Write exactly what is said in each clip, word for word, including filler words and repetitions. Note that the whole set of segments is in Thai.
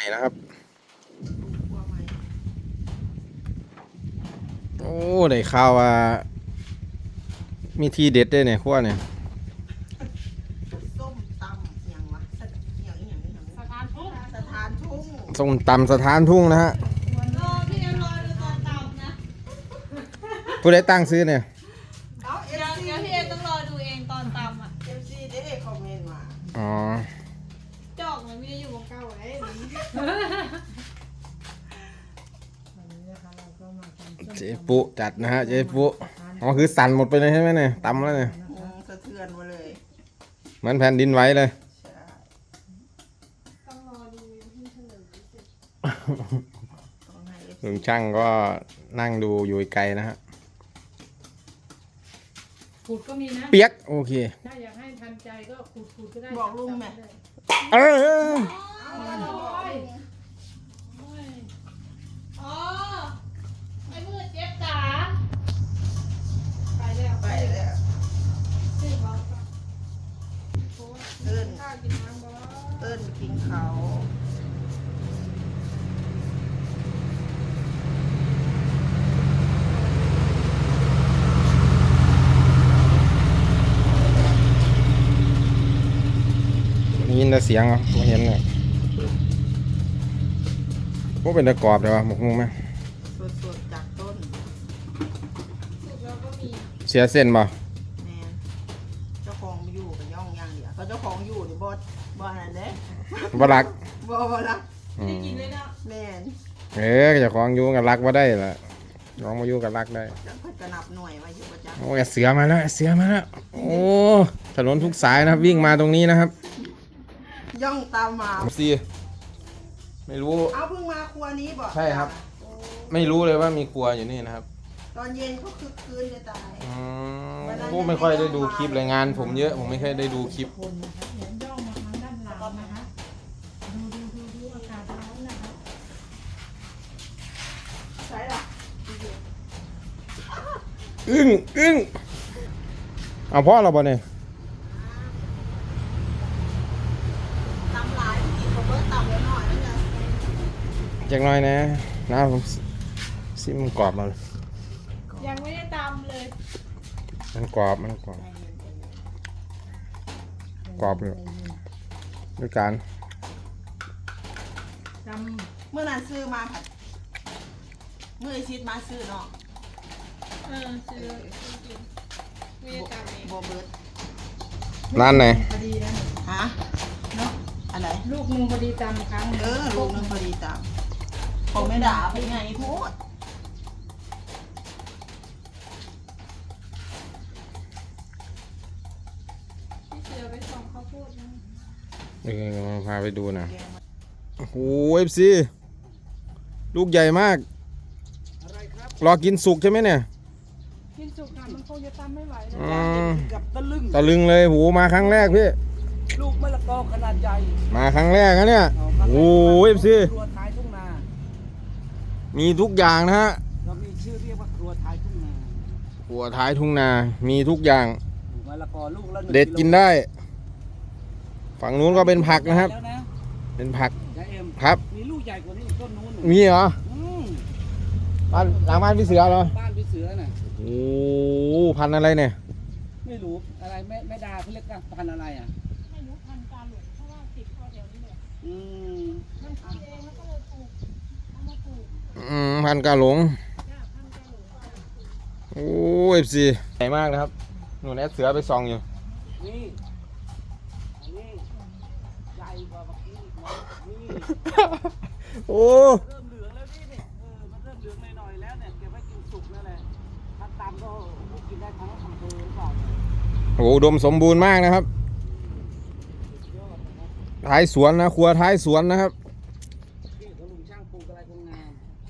นะครับโอ้ได้ข่าวว่ามีทีเด็ดด้วยเนี่ยขั้วเนี่ยส้มตำอย่างวะสอย่างอย่างอย่างสถานทุ่งสถานทุ่งส้มตำสถานทุ่งนะฮะรอพี่เอ็มรอดูตอนตำนะผู้ใดตั้งซื้อเนี่ยเอาเอเดี๋ยวฟซีเดี๋ยวพี่เอ็มต้องรอดูเองตอนตำอ่ะเอฟซีได้คอมเมนต์มาอ๋อจอกมันไม่ได้อยู่วงเก่าไว้เจ๊ปุจัดนะฮะเจ๊ปุอ๋อคือสั่นหมดไปเลยใช่ไหมเนี่ยตำแล้วเนี่ยอืมสะเทือนมาเลยเหมือนแผ่นดินไหวเลยใช่ต้องรอดูพี่เฉลยเสร็จต้องให้ เอฟซีลุงช่างก็นั่งดูอยู่ไกลนะฮะขูดก็มีนะเปียกโอเคถ้าอยากให้ทันใจก็ขูดขูดก็ได้บอกลุงไหมเออโอ้ยอ๋อไอ้มือเจ็บจ๋าไปแล้วไปแล้วซื้อของเอิ้นข้าวกินน้ำบ่เอิ้นกินเขาวได้ยินแต่เสียงเหรอผมเห็นเนี่ยพวกเป็นตะกรอบเลยวะหมกมุ้งไหมสดๆจากต้นสุกแล้วก็มีเสียเส้นป่ะแมนเจ้าของอยู่กับย่องย่างเดียวเขาเจ้าของอยู่นี่บอสบอสอะไรเด้บ่รักบอบอละอืได้มกินเลยเนาะแมนเออเจะคล้าของอยู่กับรักว่าได้ละน้องมาอยู่กับรักได้จะเพิ่นกระนับหน่วยมาอยู่ประจโอ้ยเสือมาแล้วเสือมาแล้วโอ้ถนนทุกสายนะครับวิ่งมาตรงนี้นะครับำย่องตามมาซีไม่รู้เอาเพิ่งมาครัวนี้บอกใช่ครับโอ้ไม่รู้เลยว่ามีครัวอยู่นี่นะครับตอนเย็นก็คือคืนจะตายอืมผมไม่ค่อยได้ดูคลิปรายงานผมเยอะผมไม่ค่อยได้ดูคลิปคนนะคะเดี๋ยวย่องมาทางด้านหลังนะคะดูดูดูดูอากาศร้อนนะคะใช่หรออึ้งอึ้งเอาพ่อเราบ่เนี่ยตำหลายกินผมเบิร์ตำแล้วหน่อยแล้วจะจักหน่อยนะนะผมซิมันกรอบมายังไม่ได้ตำเลยมันกรอบมันกรอบกรอบเลยด้วยกันจเมื่อนั้นซื้อมาค่ะเมื่อไอชิดมาซื้อเนาะเออซื้อกินไม่ได้ตำเองโบเบิร์ตำร้านไหนพอดีนะฮะเนาะอันไหนลูกหนึงพอดีจำครั้งหนึ่งเออลูกนึงพอดีตามผมไม่ด่าไปไงพูดพี่เสือไปส่งข้าวโพดนะเออมาพาไปดูหนะโอ้โหเอฟซีลูกใหญ่มากรอกินสุกใช่ไหมเนี่ยกินสุกค่ะมันคงจะตำไม่ไหวนะอืมกับตะลึงตะลึงเลยโหมาครั้งแรกพี่ลูกมะละกอขนาดใหญ่มาครั้งแรกนะเนี่ยโอ้โหเอฟซีครัวท้ายทุ่งนามีทุกอย่างนะฮะเรามีชื่อเรียกว่าครัวท้ายทุ่งนาหัวท้ายทุ่งนา มีทุกอย่างมะละกอลูกละหนึ่งเด็ดกินได้ ฝั่งนู้นก็เป็นผักนะครับแล้วนะเป็นผักยายเอ็มครับมีลูกใหญ่กว่านี้อีกต้นนู้นมีเหรออืมบ้านหลังบ้านพี่เสือเหรอบ้านพี่เสือน่ะโอ้โหพันธุ์อะไรเนี่ยไม่รู้อะไรแม่แม่ดาเขาเรียกพันธุ์อะไรอ่ะไม่รู้พันกาหลงเพราะว่าติดคอแถวนี้เลยอืมมันขึ้นเองแล้วก็เลยปลูกเอามาปลูกอืมพันธุ์กาหลงจ้าพันกาหลงโอ้เอฟซีใหญ่มากนะครับหนูแอดเสือไปซองอยู่นี่อันนี้ใหญ่กว่าเมื่อกี้อีกนะนี่โอ้เริ่มเหลืองแล้วนี่เนี่ยเออมันเริ่มเหลืองหน่อยๆแล้วเนี่ยเก็บไว้กินสุกนั่นแหละถ้าตามก็กินได้ทั้งอำเภอหรือเปล่าเนี่ยโหอุดมสมบูรณ์มากนะครับยอดนะครับท้ายสวนนะครัวท้ายสวนนะครับที่เขาลุงช่างปลูกอะไรคงงาม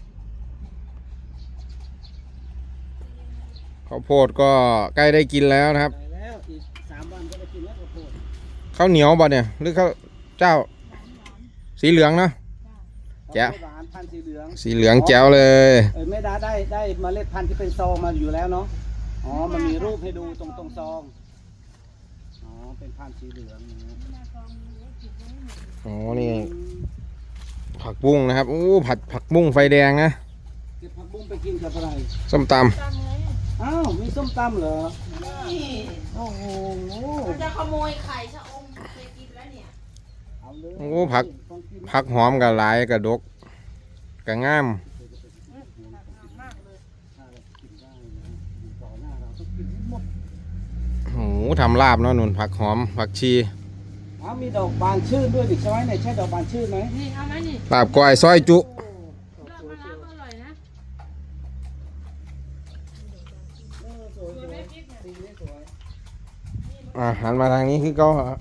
ข้าวโพดก็ใกล้ได้กินแล้วนะครับไปแล้วอีกสามวันก็ได้กินแล้วข้าวโพดข้าวเหนียวบ่เนี่ยหรือข้าวเจ้า สีเหลืองเนาะ แจ๋วข้าวโพดหวานพันธุ์สีเหลืองสีเหลืองแจ๋วเลยเออแม่ดาได้ได้เมล็ดพันธุ์ที่เป็นซองมาอยู่แล้วเนาะอ๋อมันมีรูปให้ดูตรงตรงซองอ๋อเป็นพันธุ์สีเหลืองอย่างเงี้ยอ๋อนี่อืมผักบุ้งนะครับโอ้ผัดผักบุ้งไฟแดงนะเก็บผักบุ้งไปกินกับอะไรส้มตตามไงอ้าวมีส้มตำเหรอนี่โอ้โหมันจะขโมยไข่ชะอมเคยกินแล้วเนี่ยเอาเลยำโอ้ผักผักหอมกับหลายกับดกกับงามต่อหน้าเราต้องกินให้หมดโอ้โหทำลาบเนาะนุ่นผักหอมผักชีอ้าวมีดอกบานชื่นด้วยดิใช่ไหมไหนใช่ดอกบานชื่นไหมนี่เอาไหมนี่ลาบก้อยซอยจุเลือกมาแล้วอร่อยนะเออสวยสวยสีนี้สวยอ่ะหันมาทางนี้คือเขามา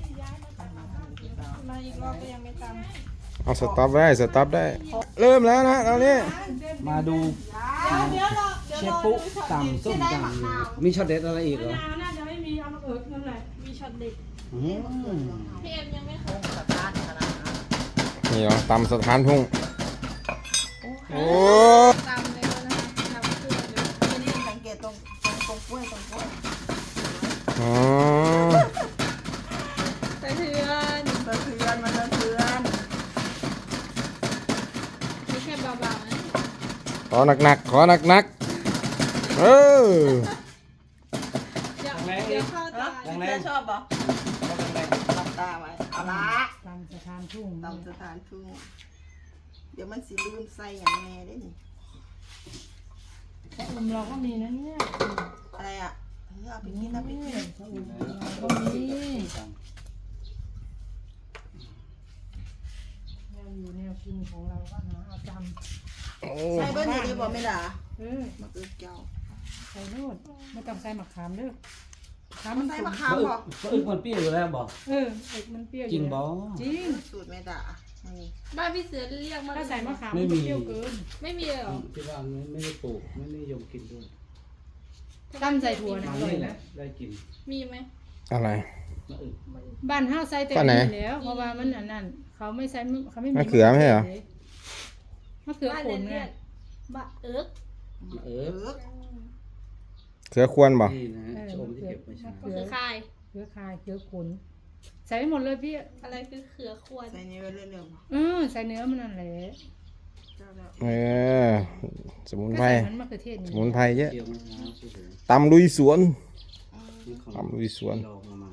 อีกรอบก็ยังไม่ตามเอาสต็อปได้สต็อปได้ เริ่มแล้วนะตอนนี้มาดูเดี๋ยวรอเดี๋ยวเชรฟอปุ๊ดูช็อตตำส้มที่ได้มะตำนาวมีช็อตเด็ดอะไรอีกเหรอมะนาวน่าจะไม่มีเอามาเอิกนั่นแหละมีช็อตเด็ดอืมพี่เอ็มยังไม่เคยสตาร์ทขนาดนั้นนี่เหรอตำสถานทุ่งโอ้ตามเลยนะคะตามเครื่องเลยทีนี้สังเกตตรงตรงตรงกล้วยตรงกล้วยอ๋อสะเทือนสะเทือนมันสะเทือนไม่ใช่เบาๆนะขอหนักๆขอหนักๆเออเดี๋ยวเดี๋ยวเข้าตาเธอชอบปะหลับตาไว้เอาละตามสถานทุ่งตามสถานทุ่งเดี๋ยวมันสิลืมใส่อย่างแน่ได้นี่ชะอมเราก็มีนะเนี่ยอะไรอ่ะเออเอาไปกินเอาไปกินชะอมเราก็มีแนวอยู่แนวกินของเราก็หาเอาจโอ้ใส่เบอร์นี่ได้บอกไม่ด่าำเออมาเกิดเจ้าใส่รูดไม่ต้องใส่มะขามเด้อมะขามมัมัน นใส่ขมะมขามบอกก็อึกมันเปรี้ยวอยู่แล้วบอกเออเอกมันเปรี้ยวอจริยู่งบแล้อวจริงสูตรไม่ด่านี่บ้านพี่เสือเรียกมาถ้าใส่มะขามมันก็เปรี้ยวเกินไม่มีเลยเหรอที่บ้านไม่ไม่ได้ปลูกไม่นิยมกินด้วยตั้มใส่ถั่วนะอัอน ร่อยนี้แหนะละได้กินมีไหมอะไรมาอึกบ้านเฮาใส่แต่บ้านไหนนี่แล้วเพราะว่ามันอันนั้นเขาไม่ใส่เขาไม่มีมะเขือไม่ใช่เหรอมะเขือบ้านผเรีลยนไงเรียกบะเอิกมาเอเอิกอเขือควรบ่นี่นะฮะชมที่เก็บไว้ใช้ก็คือคายเขือคายเขือขนใส่ไปหมดเลยพี่อะไรคือเขือควรใส่นี่ไว้เรื่อยๆบอกเออใส่เนื้อมันนั่นแหละเจ้าแล้วเออสมุนก็ไพรใส่มันมะเขือเทศสนี่มุนไพรเยอะเกี่ยวมะพร้าวสวยตำลุยสวนๆนี่ของตำลุยสวนลองมามา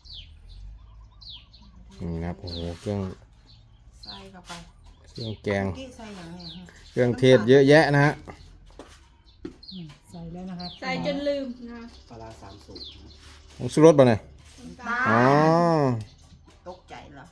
นี่นะครับโอ้โหเครื่องใส่เข้าไปเครื่องแกงเมื่อกี้ใส่อย่างเนี้ยเครื่องเทศเยอะแยะนะฮะอืมใส่แล้วนะครับใส่จนลืมนะปลาร้าสามสูตรนะผงชูรสป่ะเนี่ยตาอ๋อตกใจเหรอ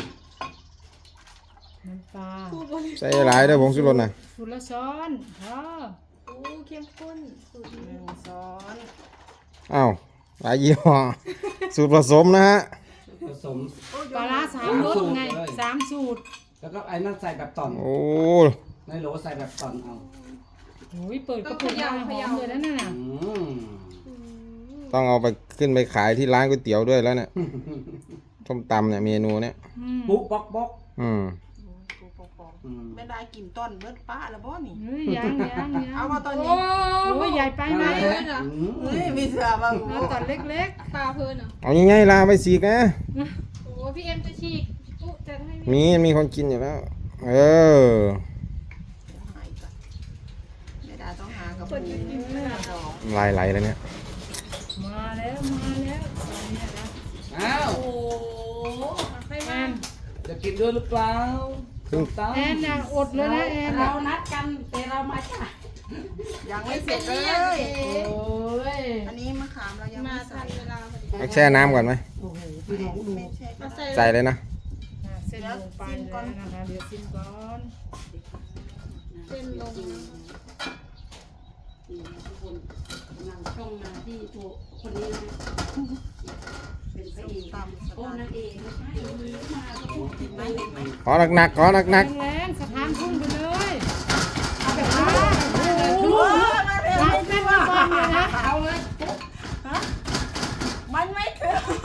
น้ำปลาพูดบนใส่หลายเด้อผงชูรสนะสูตรละช้อนพอโอ้เข้มข้นสูตรหนี้นึ่งช้อนอ้าวหลายยี่ห้อสูตรผสมนะฮะผสมปลาร้าสามรสไงสามสูตรแล้วก็ไอ้นั่นใส่แบบต่อนโอ้ในโหลใส่แบบต่อนเอาโอ้ยเปิดกระปุกมาหอมเลยนะนั่นน่ะอืมอืมต้องเอาไปขึ้นไปขายที่ร้านก๋วยเตี๋ยวด้วยแล้วเนี่ยส้มตำเนี่ยเมนูเนี่ยอืมปุ๊บป๊อกป๊อกอืมกูปอกอืมๆไม่ได้กินต้นเบิดป้าแล้วบ่นี่เฮ้ยยังยังยังเอามาตอนโอ้นี้โอ้ยใหญ่ไปไหมนั่นแหละอืมเฮ้ยมีเสือบ้างเอาตอนเล็กปลาเพลินเหรอเอาง่ายๆลาไปสีกนะโอ้พี่เอ็มจะฉีกปุ๊จะให้พี่มีมีคนกินอยู่แล้ว เออหายก่อนไม่ได้ต้องหากับปูดองลายไหลแล้วเนี่ยๆ มาแล้วมาแล้วตอนนี้นะอ้าวโอ้ให้แอมานจะกินด้วยหรือเปล่าส้มตำแอนน่ะอดเลยนะแอนเราน่ะนัดกันแต่เรามาจ้ะยังไม่เสร็จเลยโอ้ยอันนี้มะขามเรายังมาไม่ทัใส่นเวลาพอดีเอาแช่น้ำก่อนไหมโอ้โหพี่น้องดูไม่ใช่มาใส่ใส่เลยนะอ่ะเส้นลงไปแล้วนะคะเดี๋ยวซิมก่อนเส้นลงนะทุกคนนำช่องมาที่ตัวคนนี้นะเป็นพระเอกตำสโอ้ตาร์นางเอกไม่ใช่มาก็พูดถึงไม่เห็นไหมขอหนักๆขอหนักแรงๆสถานทุ่งไปเลยเอาแบบว่าโอ้โหมาเร็วเอาเส้นมาบอลเลยนะเอาเลยมันไม่คือ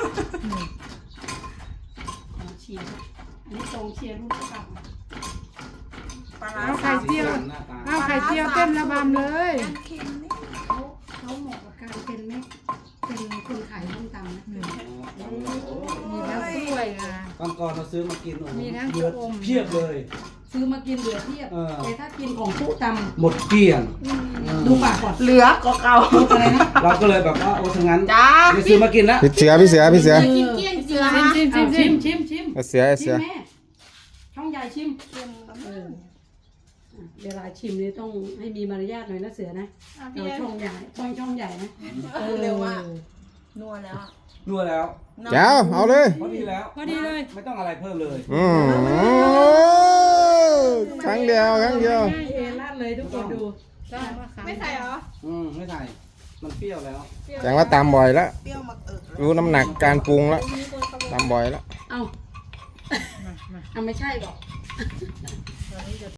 เอาเชียร์นะอันนี้ตรงเชียร์ลูกกระตังปลาร้าเอาไข่สามเจียวหน้าตาเอาไข่เจียวเต้นระบำเลยเค็มนี่เขาเขาเหมาะกับการเป็นแม่เป็นคนขายส้มตำนะมีทั้งกล้วยนะก่อนก่อนเราซื้อมากินโอ้โหมีทั้งเยอะชะอมเพียบเลยชซื้อมากินเหลือเทียบเออแต่ถ้ากินของผู้ตหมดเกลี้ยงำดูปากก่อนเหลือก็เก่าอะไรนะเราก็เลยแบบว่าโอ้ทั้งนั้นจ้าไม่ซื้อมากินแล้วพี่เสือพี่เสือพี่เสือกินเกลี้ยงเสือชิมชิมชิมชิมชิมเอาเสือเอาชิเสือมแม่ช่องใหญ่ชิมเอออ่ะเวลาชิมนี่ต้องให้มีมารยาทหน่อยนะเสือนะอ่ะพี่เราแอนช่องใหญ่ช่องช่องใหญ่นะเออเร็วมากนัวแล้วนัวแล้วแก้วเอาเลยพอดีแล้วพอดีเลยไม่ต้องอะไรเพิ่มเลยอืมครั้งเดียวครั้งเดียวเอลาดเลยทุกคนดูไม่ใส่เหรออืมไม่ใส่มันเปรี้ยวแล้วแสดงว่าตามบ่อยแล้วเปรี้ยวมากเอิกรู้น้ำหนักการปรุงแล้วตามบ่อยแล้วเอาเอาไม่ใช่หรอก